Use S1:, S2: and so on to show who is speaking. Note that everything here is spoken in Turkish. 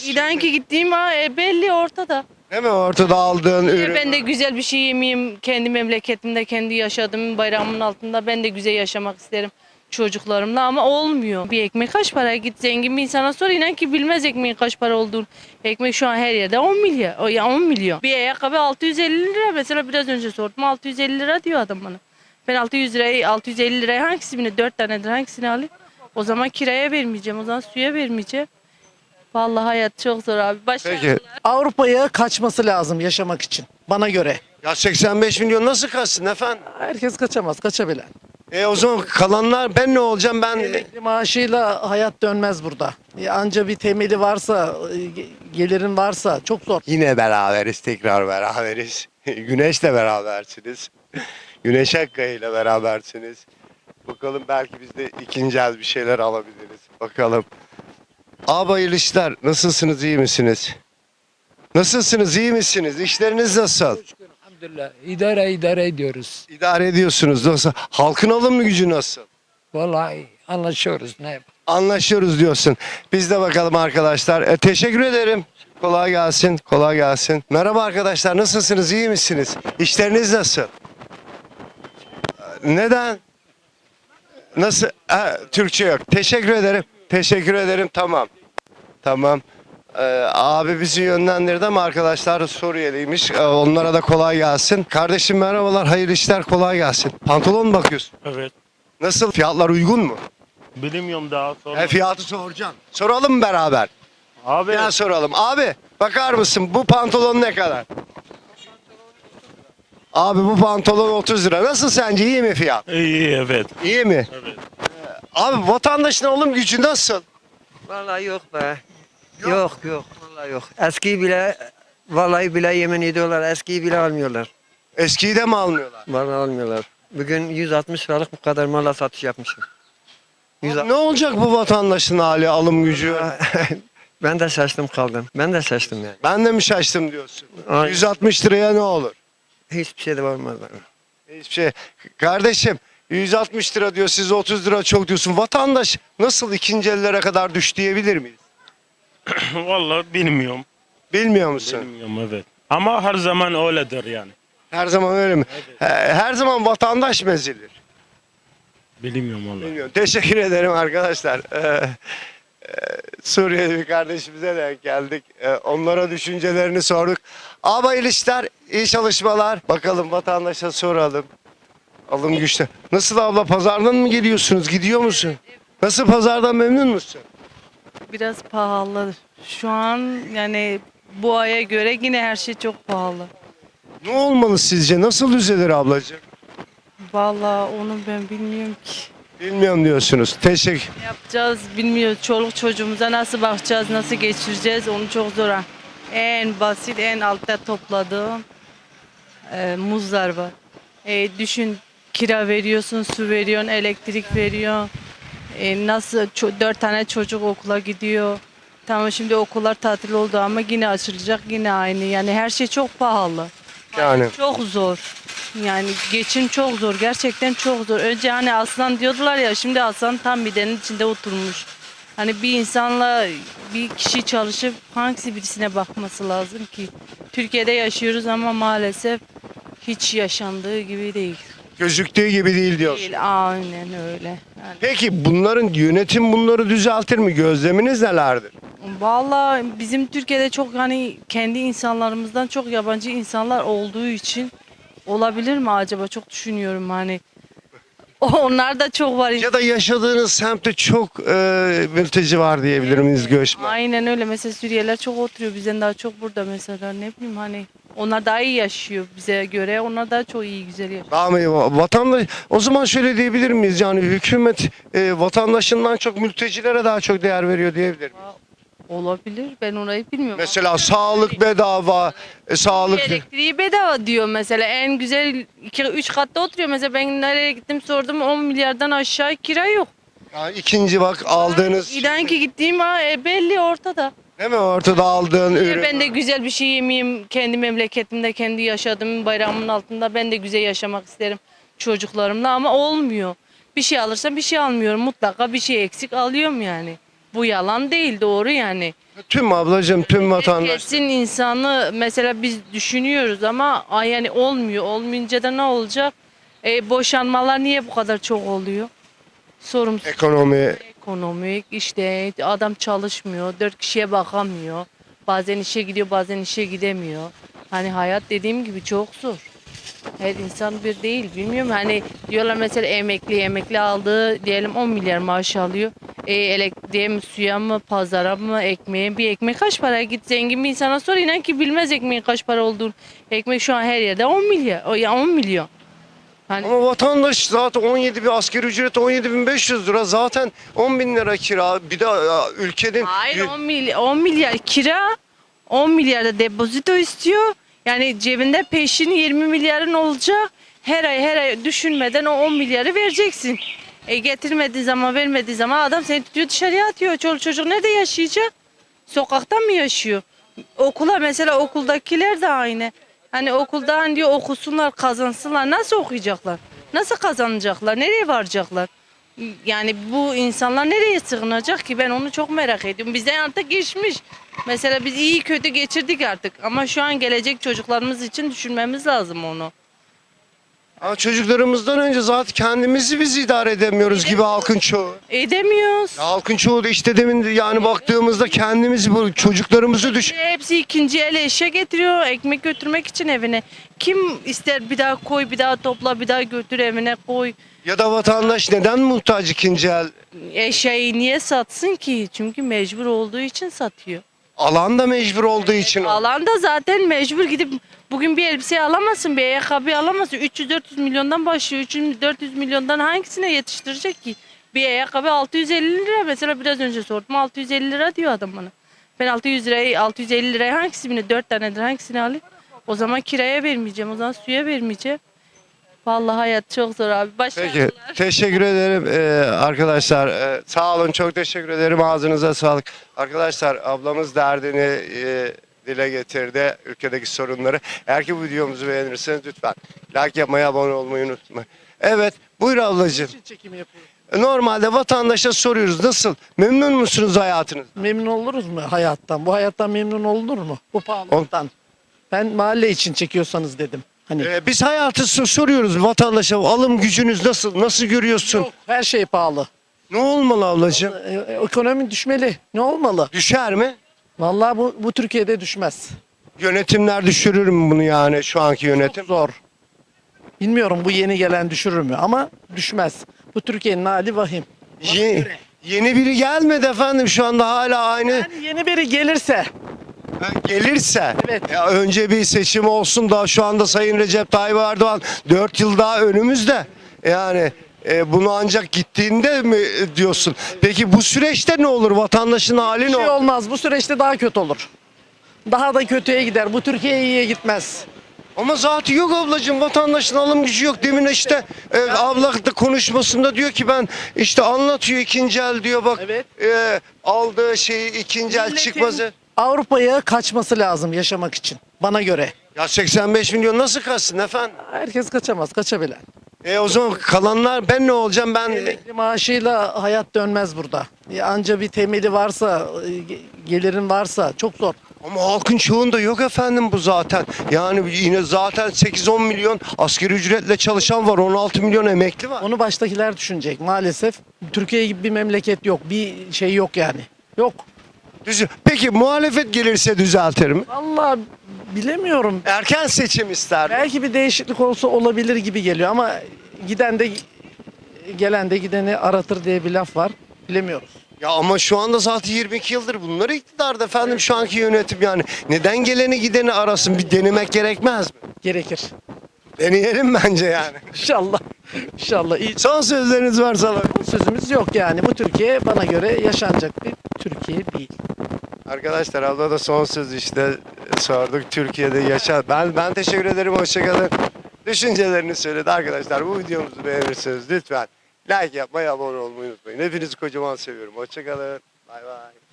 S1: İnan ki gittiğim belli ortada.
S2: Değil mi? Ortada aldığın ürün.
S1: Ben de güzel bir şey yemeyeyim. Kendi memleketimde, kendi yaşadığım bayrağımın altında ben de güzel yaşamak isterim çocuklarımla ama olmuyor. Bir ekmek kaç para? Git zengin bir insana sor, inan ki bilmez ekmeğin kaç para olduğunu. Ekmek şu an her yerde 10 milyar. O ya 10 milyon. Bir ayakkabı 650 lira mesela, biraz önce sordum, 650 lira diyor adam bana. Ben 650 liraya hangisini, 4 tanedir, hangisini alayım? O zaman kiraya vermeyeceğim, o zaman suya vermeyeceğim. Vallahi hayat çok zor abi.
S2: Peki.
S3: Avrupa'ya kaçması lazım yaşamak için bana göre.
S2: Ya 85 milyon nasıl kaçsın efendim?
S3: Herkes kaçamaz, kaçabilen.
S2: O zaman kalanlar ben ne olacağım ben?
S3: Emekli maaşıyla hayat dönmez burada. Anca bir temeli varsa, gelirin varsa çok zor.
S2: Yine beraberiz, tekrar beraberiz. Güneşle berabersiniz. Güneş Akkaya ile berabersiniz. Bakalım belki biz de ikinci el bir şeyler alabiliriz. Bakalım. Abi hayırlı işler. Nasılsınız, iyi misiniz? Nasılsınız, iyi misiniz? İşleriniz nasıl?
S4: Elhamdülillah idare ediyoruz.
S2: İdare ediyorsunuz. Nasıl? Halkın alım gücü nasıl?
S4: Vallahi anlaşıyoruz ne yapalım.
S2: Anlaşıyoruz diyorsun. Biz de bakalım arkadaşlar. Teşekkür ederim. Kolay gelsin. Kolay gelsin. Merhaba arkadaşlar. Nasılsınız? İyi misiniz? İşleriniz nasıl? Neden? Nasıl? Türkçe yok. Teşekkür ederim. Teşekkür ederim. Tamam. Tamam. Abi bizi yönlendirdi ama arkadaşlar Suriyeliymiş. Onlara da kolay gelsin. Kardeşim merhabalar. Hayırlı işler. Kolay gelsin. Pantolon mu bakıyorsun?
S5: Evet.
S2: Nasıl? Fiyatlar uygun mu?
S5: Bilmiyorum daha sonra.
S2: Fiyatı soracağım. Soralım mı beraber?
S5: Abi
S2: Gel soralım. Abi bakar mısın bu pantolon ne kadar? Abi bu pantolon 30 lira. Nasıl sence, iyi mi fiyat?
S5: iyi evet.
S2: İyi mi?
S5: Evet.
S2: Abi vatandaşın alım gücü nasıl?
S6: Vallahi yok be. Yok yok vallahi yok. Eskiyi bile vallahi bile yemin ediyorlar, eskiyi bile almıyorlar.
S2: Eskiyi de mi almıyorlar?
S6: Vallahi almıyorlar. Bugün 160 liralık bu kadar mala satış yapmışım.
S2: Abi ne olacak bu vatandaşın hali, alım gücü?
S6: Ben de şaştım kaldım. Ben de şaştım yani.
S2: Ben de mi şaştım diyorsun?
S6: Aynen.
S2: 160 liraya ne olur?
S6: Hiçbir şey de olmaz bana.
S2: Hiçbir şey. Kardeşim 160 lira diyor, siz 30 lira çok diyorsun. Vatandaş nasıl ikinci ellere kadar düş diyebilir miyiz?
S5: Vallahi bilmiyorum.
S2: Bilmiyor musun?
S5: Bilmiyorum evet. Ama her zaman öyledir yani.
S2: Her zaman öyle mi? Her zaman vatandaş mı ezilir?
S5: Bilmiyorum vallahi.
S2: Bilmiyorum. Teşekkür ederim arkadaşlar. Suriyeli bir kardeşimize denk geldik. Onlara düşüncelerini sorduk. Abi hayırlı işler, iyi çalışmalar. Bakalım vatandaşa soralım. Alım güçlü. Nasıl abla, pazardan mı geliyorsunuz? Gidiyor musun? Nasıl, pazardan memnun musun?
S1: Biraz pahalı. Şu an yani bu aya göre yine her şey çok pahalı.
S2: Ne olmalı sizce? Nasıl düzelir ablacığım?
S1: Vallahi onu ben bilmiyorum ki.
S2: Bilmiyorum diyorsunuz. Teşekkür.
S1: Ne yapacağız bilmiyoruz. Çoluk çocuğumuza nasıl bakacağız, nasıl geçireceğiz onu çok zor. En basit, en altta topladığım muzlar var. Düşün, kira veriyorsun, su veriyorsun, elektrik veriyorsun. Nasıl 4 tane çocuk okula gidiyor. Tamam şimdi okullar tatil oldu ama yine açılacak, yine aynı. Yani her şey çok pahalı.
S2: Yani
S1: Çok zor. Yani geçim çok zor. Gerçekten çok zor. Önce hani aslan diyordular ya, şimdi aslan tam midenin içinde oturmuş. Hani bir insanla bir kişi çalışıp hangisi birisine bakması lazım ki? Türkiye'de yaşıyoruz ama maalesef hiç yaşandığı gibi değil.
S2: gözüktüğü gibi değil diyorsun.
S1: Değil, aynen öyle. Yani,
S2: Peki bunların yönetim bunları düzeltir mi? Gözleminiz nelerdir?
S1: vallahi bizim Türkiye'de çok hani kendi insanlarımızdan çok yabancı insanlar olduğu için olabilir mi acaba, çok düşünüyorum hani. Onlar da çok var.
S2: Ya da yaşadığınız semtte çok mülteci var diyebilir miyiz, göçmen?
S1: Aynen öyle. Mesela Suriyeliler çok oturuyor. Bizden daha çok burada mesela. Ne bileyim hani. Onlar daha iyi yaşıyor bize göre. Onlar daha çok iyi, güzel yaşıyor.
S2: Daha mı iyi? Vatandaş, o zaman şöyle diyebilir miyiz? Yani hükümet vatandaşından çok mültecilere daha çok değer veriyor diyebilir miyiz?
S1: Olabilir. Ben orayı bilmiyorum.
S2: Mesela sağlık bedava, sağlık...
S1: Elektriği bedava diyor mesela. En güzel 2-3 katta oturuyor. Mesela ben nereye gittim sordum, 10 milyardan aşağı kira yok.
S2: Yani ikinci bak aldığınız...
S1: İnan ki gittiğim belli ortada.
S2: Değil mi? Ortada aldığın ürün.
S1: Ben de güzel bir şey yemeyeyim. Kendi memleketimde, kendi yaşadığım bayrağımın altında ben de güzel yaşamak isterim çocuklarımla ama olmuyor. Bir şey alırsam bir şey almıyorum. Mutlaka bir şey eksik alıyorum yani. Bu yalan değil, doğru yani.
S2: Tüm ablacığım, tüm vatandaş.
S1: Kesin insanı mesela biz düşünüyoruz ama yani olmuyor. Olmayınca da ne olacak? Boşanmalar niye bu kadar çok oluyor? Sorumsuz.
S2: Ekonomi.
S1: Ekonomik işte adam çalışmıyor, 4 kişiye bakamıyor. Bazen işe gidiyor, bazen işe gidemiyor. Hani hayat dediğim gibi çok zor. Her insan bir değil, bilmiyorum. Hani diyorlar mesela emekli aldığı diyelim 10 milyar maaş alıyor. Diyelim suya mı, pazara mı, ekmeğe, bir ekmek kaç para? Git zengin bir insana sor, inan ki bilmez ekmeğin kaç para olduğunu. Ekmek şu an her yerde 10 milyar, ya 10 milyon. Hani
S2: Ama vatandaş zaten 17 bir asgari ücret 17.500 lira, zaten 10 bin lira kira, bir de ülkenin
S1: hayır 10 milyar kira, 10 milyar da depozito istiyor. Yani cebinde peşin 20 milyarın olacak. Her ay düşünmeden o 10 milyarı vereceksin. Getirmediği zaman, vermediği zaman adam seni tutuyor, dışarıya atıyor. Çoluk çocuk nerede yaşayacak? Sokakta mı yaşıyor? Okula mesela, okuldakiler de aynı. Hani okulda hani diyor okusunlar, kazansınlar. Nasıl okuyacaklar? Nasıl kazanacaklar? Nereye varacaklar? Yani bu insanlar nereye sığınacak ki? Ben onu çok merak ediyorum. Bizden artık geçmiş. Mesela biz iyi kötü geçirdik artık. Ama şu an gelecek çocuklarımız için düşünmemiz lazım onu.
S2: çocuklarımızdan önce zaten kendimizi biz idare edemiyoruz gibi halkın çoğu.
S1: Edemiyoruz.
S2: Ya halkın çoğu da işte demin yani baktığımızda kendimizi, bu çocuklarımızı düşün.
S1: Hepsi ikinci el eşya getiriyor ekmek götürmek için evine. Kim ister bir daha koy, bir daha topla, bir daha götür evine koy.
S2: Ya da vatandaş neden muhtaç ikinci el?
S1: Eşyayı niye satsın ki? Çünkü mecbur olduğu için satıyor.
S2: Alan da mecbur olduğu için.
S1: Alanda zaten mecbur gidip bugün bir elbise alamazsın, bir ayakkabı alamazsın. 300-400 milyondan başlıyor. 300-400 milyondan hangisine yetiştirecek ki? Bir ayakkabı 650 lira. Mesela biraz önce sordum, 650 lira diyor adam bana. Ben 650 liraya hangisini, 4 tanedir hangisini alayım? O zaman kiraya vermeyeceğim, o zaman suya vermeyeceğim. Vallahi hayat çok zor abi. Başarılar.
S2: Peki, teşekkür ederim arkadaşlar. Sağ olun, çok teşekkür ederim. Ağzınıza sağlık. Arkadaşlar, ablamız derdini dile getirdi, ülkedeki sorunları. Eğer ki bu videomuzu beğenirseniz lütfen like yapmayı, abone olmayı unutmayın. Evet, buyur ablacığım.
S3: Çekim yapıyoruz.
S2: Normalde vatandaşa soruyoruz, nasıl? Memnun musunuz hayatınız?
S3: Memnun oluruz mu hayattan? Bu hayattan memnun olunur mu? Bu pahalılıktan. Ben mahalle için çekiyorsanız dedim. Hani
S2: Biz hayatı soruyoruz vatandaşa, alım gücünüz nasıl? Nasıl görüyorsun?
S3: yok, her şey pahalı.
S2: Ne olmalı ablacığım?
S3: Ekonomi düşmeli. Ne olmalı?
S2: Düşer mi?
S3: Vallahi bu Türkiye'de düşmez.
S2: Yönetimler düşürür mü bunu, yani şu anki yönetim?
S3: Çok zor. Bilmiyorum bu yeni gelen düşürür mü ama düşmez. Bu Türkiye'nin hali vahim.
S2: Yeni biri gelmedi efendim, şu anda hala aynı.
S3: Yani yeni biri gelirse
S2: Gelirse,
S3: Evet.
S2: ya önce bir seçim olsun da, şu anda Sayın Recep Tayyip Erdoğan 4 yıl daha önümüzde. Yani bunu ancak gittiğinde mi diyorsun? Peki bu süreçte ne olur? Vatandaşın hali
S3: bir
S2: ne
S3: şey
S2: olur?
S3: olmaz. Bu süreçte daha kötü olur. Daha da kötüye gider. Bu Türkiye iyiye gitmez.
S2: Ama zaten yok ablacığım, vatandaşın alım gücü yok. Demin işte abla da konuşmasında diyor ki, ben işte anlatıyor, ikinci el diyor, bak
S3: Evet.
S2: aldığı şeyi ikinci el
S3: Milletin
S2: çıkmazı.
S3: Avrupa'ya kaçması lazım yaşamak için bana göre.
S2: Ya 85 milyon nasıl kaçsın efendim?
S3: Herkes kaçamaz, kaçabilen.
S2: O zaman kalanlar, ben ne olacağım ben?
S3: Emekli maaşıyla hayat dönmez burada. Anca bir temeli varsa, gelirin varsa çok zor.
S2: Ama halkın çoğunda yok efendim bu zaten. Yani yine zaten 8-10 milyon asgari ücretle çalışan var. 16 milyon emekli var.
S3: Onu baştakiler düşünecek maalesef. Türkiye gibi bir memleket yok. Bir şey yok yani. Yok.
S2: Peki muhalefet gelirse düzeltir mi?
S3: Vallahi bilemiyorum.
S2: Erken seçim ister mi?
S3: Belki bir değişiklik olsa olabilir gibi geliyor ama giden de gelen de gideni aratır diye bir laf var. Bilemiyoruz.
S2: Ya ama şu anda zaten 22 yıldır bunlar iktidarda efendim, şu anki yönetim yani. Neden geleni gideni arasın? Bir denemek gerekmez mi?
S3: Gerekir.
S2: Deneyelim bence yani.
S3: İnşallah. İnşallah. İyi.
S2: Son sözleriniz varsa alalım.
S3: Sözümüz yok yani. Bu Türkiye bana göre yaşanacak bir Türkiye değil.
S2: Arkadaşlar, abla da son söz işte sorduk. Türkiye'de yaşa. Ben teşekkür ederim. Hoşçakalın. Düşüncelerini söyledi arkadaşlar. Bu videomuzu beğenirseniz lütfen like yapmayı, abone olmayı unutmayın. Hepinizi kocaman seviyorum. Hoşçakalın. Bay bay.